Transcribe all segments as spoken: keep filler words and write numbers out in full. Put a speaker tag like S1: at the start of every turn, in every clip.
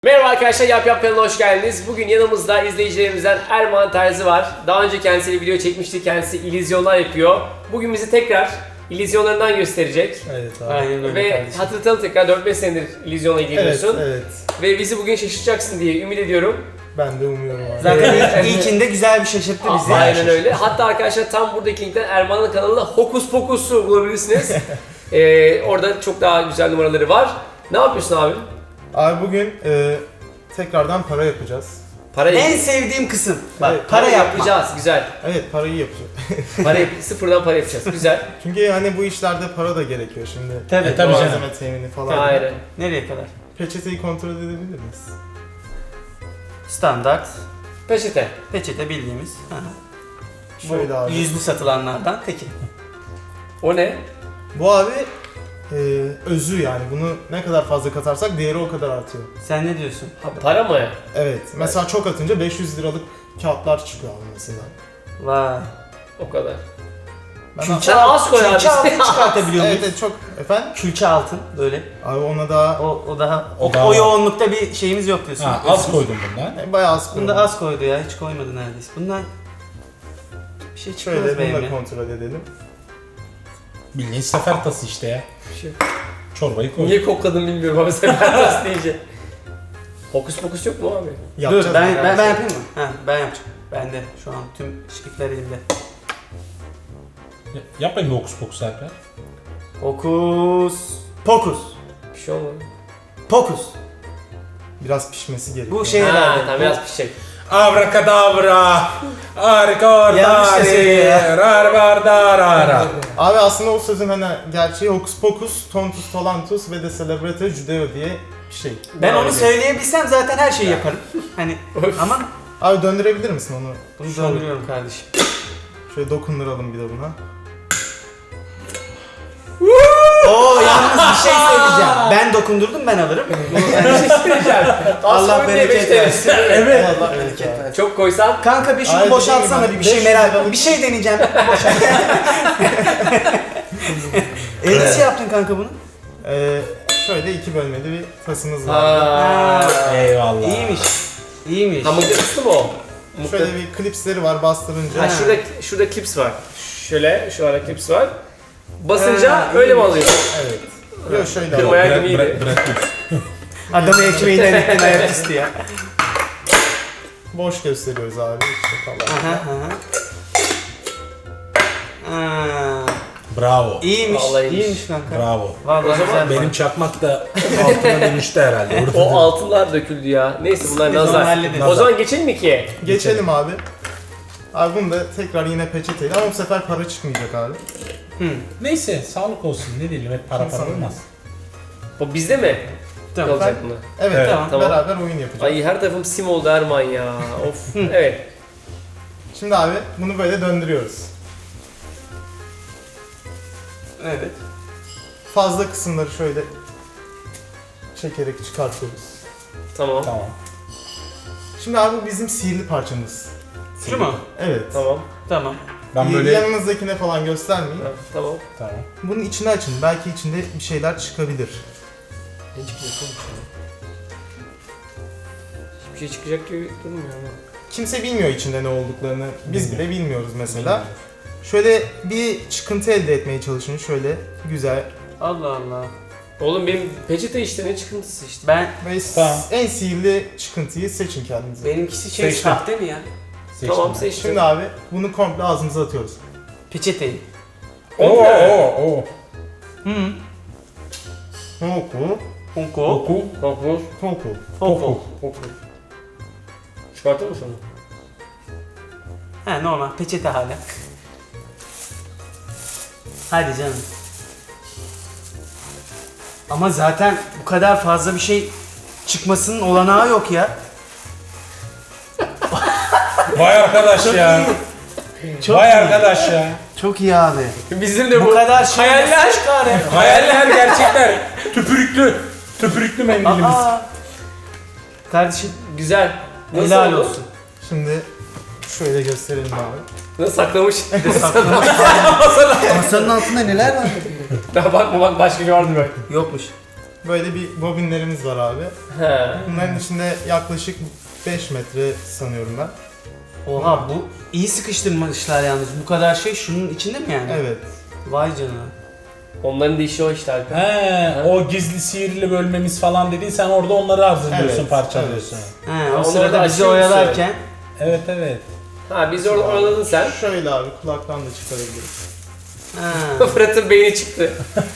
S1: Merhaba arkadaşlar, Yap Yap kanalına hoş geldiniz. Bugün yanımızda izleyicilerimizden Erman Terzi var. Daha önce kendisiyle video çekmiştik, kendisi illüzyonlar yapıyor. Bugün bizi tekrar illüzyonlarından gösterecek.
S2: Evet abi.
S3: Aynen öyle
S1: Ve
S3: kardeşim.
S1: hatırlatalım tekrar dört beş senedir illüzyonla
S2: Evet,
S1: ilgileniyorsun.
S2: evet.
S1: Ve bizi bugün şaşırtacaksın diye ümit ediyorum.
S2: Ben de umuyorum abi.
S3: Zaten
S1: Evet.
S3: ilk, ilkinde güzel bir şaşırttı bizi.
S1: Aynen öyle. Hatta arkadaşlar tam buradaki linkten Erman'ın kanalında Hokus Pokus'u bulabilirsiniz. ee, orada çok daha güzel numaraları var. Ne yapıyorsun abi?
S2: Abi bugün e, tekrardan para yapacağız.
S1: Para
S3: En sevdiğim kısım. Bak
S2: Evet,
S3: para yapma.
S1: yapacağız. Güzel.
S2: Evet, parayı yapacağız.
S1: Para yap- sıfırdan para yapacağız. Güzel.
S2: Çünkü hani bu işlerde para da gerekiyor şimdi.
S3: Tabii.
S4: E, tabii
S2: Malzeme
S4: canım.
S2: temini falan.
S1: Aynen.
S3: Nereye kadar?
S2: Peçeteyi kontrol edebilir miyiz?
S3: Standart.
S1: Peçete.
S3: Peçete bildiğimiz. Hı hı.
S2: Şöyle
S3: Bu
S2: abi.
S3: yüzlü satılanlardan teki.
S1: O ne?
S2: Bu abi e, özü yani. Bunu ne kadar fazla katarsak değeri o kadar artıyor.
S3: Sen ne diyorsun?
S1: Ha, para mı?
S2: Evet. Mesela çok atınca beş yüz liralık kağıtlar çıkıyor abi mesela.
S3: Vay.
S1: O kadar.
S2: Ben
S3: Külçe,
S1: Sen az koy abi.
S3: külçe altın çıkartabiliyor
S2: Evet,
S3: muyuz?
S2: evet çok. Efendim?
S3: Külçe altın böyle.
S2: Abi ona daha
S3: O, o daha o,
S4: O daha-
S3: o yoğunlukta bir şeyimiz yok diyorsun.
S4: Ha, az koydum bundan.
S2: e, bayağı az
S3: Bunda
S2: koyalım.
S3: az koydu ya, hiç koymadı neredeyse. Bundan bir şey çıkmaz
S2: Şöyle bunu
S3: benimle.
S2: da kontrol edelim.
S4: Bildiğin sefer tası işte ya. Çorbayı koy.
S1: Niye kokladım bilmiyorum abi sen tas deyince. Hokus pokus yok mu abi?
S3: Dur
S2: Yapacağız
S3: ben,
S2: yani.
S3: ben, ben yapayım mı? Ha, ben yapacağım. Ben de şu an tüm şirketler elimde.
S4: Ya- Yap bakayım bir hokus pokus Alper.
S3: Hokus pokus.
S1: Bir şey olmadı.
S3: Pokus.
S2: Biraz pişmesi gerekiyor.
S3: Bu şey
S1: Ha,
S3: herhalde.
S1: tamam
S3: bu-
S1: biraz pişecek.
S4: Abrakadabra. Harika
S3: Yanlış da söylüyor ya.
S4: Rarbardarara.
S2: Abi aslında o sözün hani gerçeği hokus pokus, tontus tolantus ve de celebrate judeo diye bir şey.
S3: Ben onu
S1: Aynen.
S3: söyleyebilsem zaten her şeyi yaparım. Hani ama
S2: Abi döndürebilir misin onu?
S3: bunu
S2: Şöyle-
S3: döndürüyorum kardeşim.
S2: Şöyle dokunduralım bir de buna.
S3: Oo yalnız bir şey söyleyeceğim. Ben dokundurdum ben alırım. Bu-
S1: Bir şey söyleyeceğim.
S3: Allah
S1: Aslında
S3: bereket
S1: beş T L.
S3: versin.
S2: Evet.
S3: Allah bereket versin.
S1: Çok koysan
S3: Kanka bir şunu
S2: Ay,
S3: boşaltsana
S2: dediğim
S3: bir, bir şey
S2: gibi,
S3: merak
S2: beş yüz liralık-
S3: Bir şey deneyeceğim. Boşalt. E nasıl yaptın kanka bunu?
S2: Ee, şöyle iki bölmeli bir tasımız var.
S1: Ha.
S4: Eyvallah.
S3: İyiymiş. İyiymiş.
S1: Ha mıknatıslı mı o?
S2: Şöyle
S1: Mıknat-
S2: bir klipsleri var bastırınca.
S1: Ha şurada şurada klips var. Şöyle şu ara klips var. Basınca
S3: Ha,
S1: öyle mi
S3: iyiymiş.
S1: alıyorsun?
S2: Evet. Yok şöyle
S1: Kırmaya-
S2: abi.
S1: Bayağı
S4: Bırak,
S1: gibiydi.
S4: bırak, bırakıyorsun.
S3: Adamı ekmeğinden ettin ayaküstü ya.
S2: Boş gösteriyoruz abi işte falan.
S3: Aha aha. Aa,
S4: Bravo.
S3: iyiymiş.
S1: Vallahi iyiymiş.
S3: iyiymiş kanka.
S4: Bravo.
S3: Vallahi
S1: O zaman
S3: güzel.
S4: Benim çakmak da altına dönüştü herhalde. Orada
S1: O altınlar döküldü ya. Neyse bunlar
S3: Biz onu
S1: nazar.
S3: hallederiz.
S1: O zaman geçelim mi ikiye?
S2: Geçelim abi. Abi bunu da tekrar yine peçeteyle ama bu sefer para çıkmayacak abi.
S3: Hı.
S4: Neyse sağlık olsun ne diyelim hep para para
S2: Sana-
S4: olmaz.
S1: O bizde mi?
S3: Tamam.
S1: Kalacak bunlar.
S2: Evet,
S4: Evet.
S2: tamam.
S1: Tamam.
S2: Beraber oyun yapacağız.
S1: Ay her tarafım sim oldu Erman ya. Of. Evet.
S2: Şimdi abi bunu böyle döndürüyoruz.
S3: Evet.
S2: Fazla kısımları şöyle çekerek çıkartıyoruz.
S1: Tamam.
S4: Tamam.
S2: Şimdi abi bu bizim sihirli parçamız.
S3: Şu mu?
S2: Evet.
S1: Tamam.
S3: Tamam.
S4: Ben
S2: Y-
S4: böyle...
S2: Yanınızdakine falan göstermeyin.
S1: Ha, Tamam.
S4: Tamam.
S2: Bunun içini açın. Belki içinde bir şeyler çıkabilir.
S1: Ne çıkacak oğlum şimdi? Hiçbir şey çıkacak gibi durmuyor ama.
S2: Kimse bilmiyor içinde ne olduklarını. Biz bile bilmiyoruz mesela. Şöyle bir çıkıntı elde etmeye çalışın. Şöyle güzel.
S3: Allah Allah.
S1: Oğlum benim peçete işte ne çıkıntısı işte.
S3: Ben
S2: Ve
S4: Tamam.
S2: en sihirli çıkıntıyı seçin kendinize.
S3: benimkisi şey
S4: Seçtim.
S3: sahte mi ya?
S4: Seçtim
S1: Tamam
S4: ben.
S1: seçtim.
S2: Şimdi abi bunu komple ağzımıza atıyoruz.
S3: Peçeteyi.
S4: Oo oo oo.
S3: Hı.
S2: Hoku,
S3: Honko.
S4: Oku.
S1: Kokmuş.
S2: hoku.
S3: Honko.
S1: Kokmuş. Çıkartır mısın onu?
S3: Ha normal peçete hala. Hadi canım. Ama zaten bu kadar fazla bir şey çıkmasının olanağı yok ya.
S4: Vay arkadaş ya.
S3: Çok
S4: Vay
S3: iyi.
S4: arkadaş ya.
S3: Çok iyi abi.
S1: Bizim de
S3: Bu,
S1: bu.
S3: kadar şey
S1: hayaller.
S3: nasıl çıkar ya?
S4: Hayaller gerçekler. Tüpürüklü. Tüpürüklü mendilimiz.
S3: Aa. Kardeşim
S1: Güzel. Nasıl
S3: helal
S1: oldu?
S3: olsun.
S2: Şimdi şöyle gösterelim abi.
S1: Nasıl saklamış?
S3: Masanın altında neler var?
S1: Daha bakma bak başka bir vardı böyle.
S3: Yokmuş.
S2: Böyle bir bobinlerimiz var abi.
S1: He.
S2: Bunların içinde yaklaşık beş metre sanıyorum ben.
S3: Oha bu iyi sıkıştırmışlar yalnız. Bu kadar şey şunun içinde mi yani?
S2: Evet.
S3: Vay canına.
S1: Onların da işi o işte Alper.
S4: He, o gizli sihirli bölmemiz falan dediğin sen orada onları hazırlıyorsun,
S2: Evet,
S4: parçalıyorsun.
S3: He,
S1: Ha,
S3: o
S1: onları da
S3: sırada bizi
S1: açıyor musun?
S3: oyalarken.
S4: Evet evet.
S1: Ha biz orada oyaladın sen.
S2: Şöyle abi kulaktan da çıkarabiliriz.
S3: Ha.
S1: Fırat'ın beyni çıktı.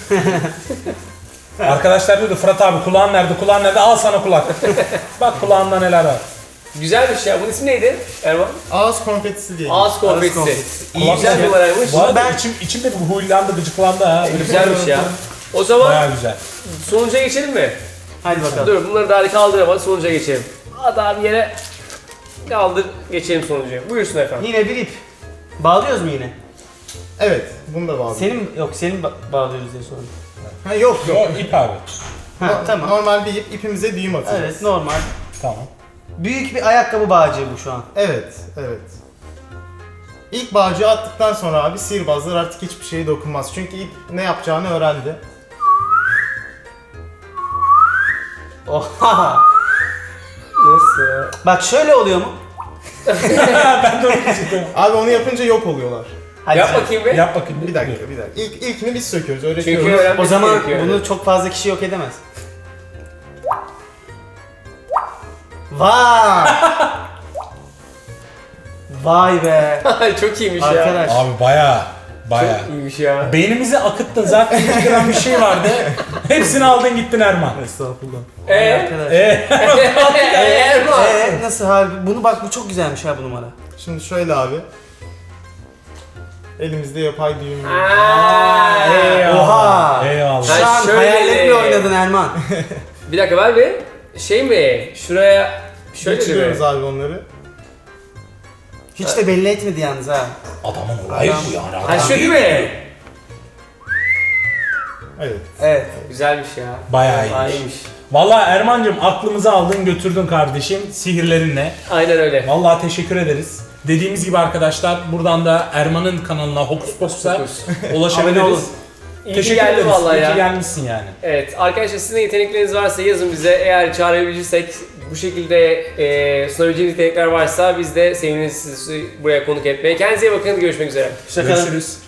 S4: Arkadaşlar diyordu Fırat abi kulağın nerede, kulağın nerede, al sana kulak. Bak kulağında neler var.
S1: Güzelmiş ya. Bunun ismi neydi Erman?
S2: Ağız konfetisi diye.
S1: Ağız konfetisi.
S3: konfetisi.
S1: İyi güzel bir numaraymış.
S4: Bu arada içim, içimde bir huylandı, gıcıklandı ha. Böyle
S1: Güzelmiş ya. O zaman
S4: Bayağı güzel.
S1: sonuca geçelim mi?
S3: Hadi bakalım.
S1: Dur bunları daha kaldıramadı sonuca geçelim. Hadi abi yere kaldır geçelim sonuca. Buyursun efendim.
S3: Yine bir ip. Bağlıyoruz mu yine?
S2: Evet, bunu da bağlı.
S3: Senin yok senin ba- bağlıyoruz diye sordum.
S2: Ha, yok yok.
S4: Yo, ip abi.
S3: Ha
S2: No-
S3: tamam.
S2: Normal bir ip, ipimize düğüm atacağız.
S3: Evet normal.
S4: Tamam.
S3: Büyük bir ayakkabı bağcığı bu şu an.
S2: Evet, evet. İlk bağcığı attıktan sonra abi sihirbazlar artık hiçbir şeye dokunmaz. Çünkü ip ne yapacağını öğrendi.
S3: Oha.
S1: Nasıl ya?
S3: Bak şöyle oluyor mu?
S4: Ben de onu diyecektim.
S2: Abi onu yapınca yok oluyorlar.
S3: Hadi
S1: Yap
S3: sen.
S1: bakayım bir.
S4: Yap bakayım.
S2: Bir dakika, bir dakika. İlk, ilkini biz söküyoruz, öğretiyoruz.
S1: Çünkü öğrenmesi
S3: O zaman
S1: gerekiyor.
S3: bunu çok fazla kişi yok edemez. Vay! Vay be!
S1: Çok iyiymiş ya.
S3: Arkadaş.
S4: Abi bayağı, bayağı.
S1: Çok iyiymiş ya.
S4: Beynimizi akıttın, zaten iki gram bir şey vardı. Hepsini aldın gittin Erman.
S2: Estağfurullah.
S1: Eee?
S3: Arkadaş.
S4: Eee?
S1: Erman.
S3: Ee, nasıl harbi? Bunu bak bu çok güzelmiş ha bu numara.
S2: Şimdi şöyle abi. Elimizde yapay düğüm var.
S1: Aa,
S4: Eyvallah.
S3: Oha!
S4: Eyvallah.
S3: Şu
S1: Ha,
S3: an
S1: şöyle.
S3: hayallerimle oynadın Erman.
S1: Bir dakika ver bir. Şey mi? Şuraya şöyle de
S2: Geçiriyoruz
S1: mi?
S2: abi onları.
S3: Hiç de belli etmedi yalnız ha.
S4: Adamın olayı bu yani.
S1: Ha şu değil mi?
S2: Evet.
S3: Evet.
S1: Güzelmiş ya.
S4: Bayağı iyiymiş.
S1: iyiymiş.
S4: Vallahi Erman'cığım aklımızı aldın götürdün kardeşim sihirlerinle.
S1: Aynen öyle.
S4: Vallahi teşekkür ederiz. Dediğimiz gibi arkadaşlar buradan da Erman'ın kanalına Hokus Pokus'a
S1: Fokus.
S3: Abone
S4: ulaşabiliriz.
S3: olun.
S1: İyi ki
S4: Teşekkür
S1: geldin
S4: ederiz.
S1: vallahi
S4: İyi ki
S1: ya.
S4: gelmişsin yani.
S1: Evet arkadaşlar sizin de yetenekleriniz varsa yazın bize. Eğer çağırabilirsek bu şekilde e, sunabileceğiniz yetenekler varsa biz de seviniriz sizi buraya konuk etmeye. Kendinize iyi bakın. Görüşmek üzere.
S3: Şaka.
S4: Görüşürüz.